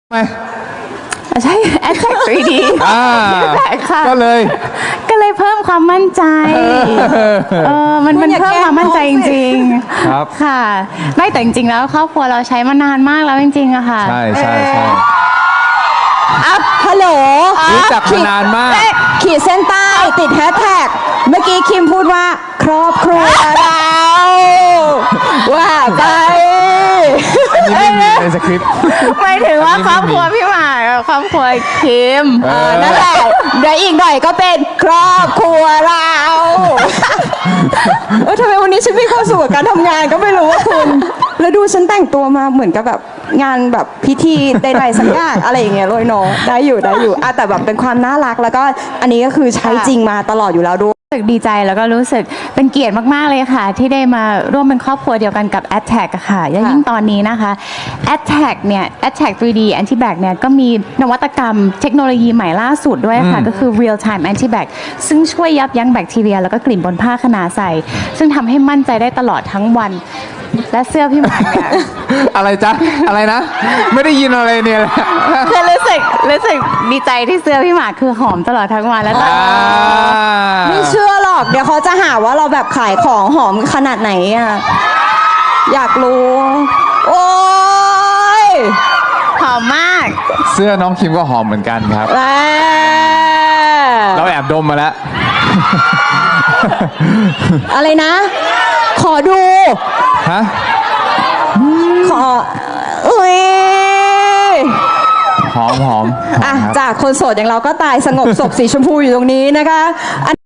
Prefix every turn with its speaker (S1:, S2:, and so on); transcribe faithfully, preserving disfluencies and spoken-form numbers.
S1: ไหม
S2: ใช่ แอดแท็ก ทรี ดี
S1: อ่า
S2: ค่ะ
S1: ก็เลย
S2: ก็เลยเพิ่มความมั่นใจเออมันมันเพิ่มความมั่นใจจริงๆ
S1: ครับ
S2: ค่ะ ไม่แต่จริงๆแล้วครอบครัวเราใช้มานานมากแล้วจริงๆอะค่ะ
S1: ใช่ใช่ใช่
S3: อัพฮัลโหล
S1: รู้จักมานานมาก
S3: ขีดเส้นใต้ติดแฮชแท็กเมื่อกี้คิมพูดว่า ครอบครัวเรา ว่าไป
S1: อันนี้ไม่มีในสคริปต์
S2: ไม่ถึงว่า
S1: อันนี้
S2: ครอบ
S1: ไม่มี
S2: ครัวพี่หมากกับครอบครัวคิม
S1: เอ
S3: อ่า
S1: อ
S3: นั่นแหละเดี๋ยวอีกหน่อยก็เป็นครอบครัวเราเออทำไมวันนี้ฉันมีความสุขกับการทำงานก็ไม่รู้ว่าคุณ แล้วดูฉันแต่งตัวมาเหมือนกับแบบงานแบบพิธีใดๆสักอย่างอะไรอย่างเงี้ยเลยเนาะได้อยู่ได้อยู่อ่ะแต่แบบเป็นความน่ารักแล้วก็อันนี้ก็คือใช้จริงมาตลอดอยู่แล้วด้วย
S2: รู้สึกดีใจแล้วก็รู้สึกเป็นเกียรติมากๆเลยค่ะ ที่ได้มาร่วมเป็นครอบครัวเดียวกันกับ แอดแท็ก อะค่ะและยิ่งตอนนี้นะคะ แอดแท็ก เนี่ย แอดแท็ก ทรี ดี Anti-Bac เนี่ยก็มีนวัตกรรมเทคโนโลยีใหม่ล่าสุดด้วยค่ะ ก็คือ Real Time Anti-Bac ซึ่งช่วยยับยั้งแบคทีเรีย แล้วก็กลิ่นบนผ้าขนาใส่ ซึ่งทำให้มั่นใจได้ตลอดทั้งวัน และเสื้อพี่หมากเนี่ย
S1: อะไรจ๊ะ อะไรนะ ไม่ได้ยินอะไรเนี่ยแหละ
S2: คือรู้สึกรู้สึกดีใจที่เสื้อพี่หมากคือหอมตลอดทั้งวันและตอน
S1: อ่า
S3: ไม่เชื่อหรอก เดี๋ยวเขาจะหาว่าเราแบบขายของหอมขนาดไหนอ่ะ อยากรู้ โอ้ย
S2: หอมมาก
S1: เสื้อน้องคิมก็หอมเหมือนกันครับ
S3: แหม
S1: เราแอบดมมาแล้ว
S3: อะไรนะ ขอดู
S1: ฮะ
S3: ขออุ้ย
S1: หอมหอมหอม
S3: อ่ะ
S1: ครับ
S3: จากคนโสดอย่างเราก็ตายสงบศพสีชมพูอยู่ตรงนี้นะคะ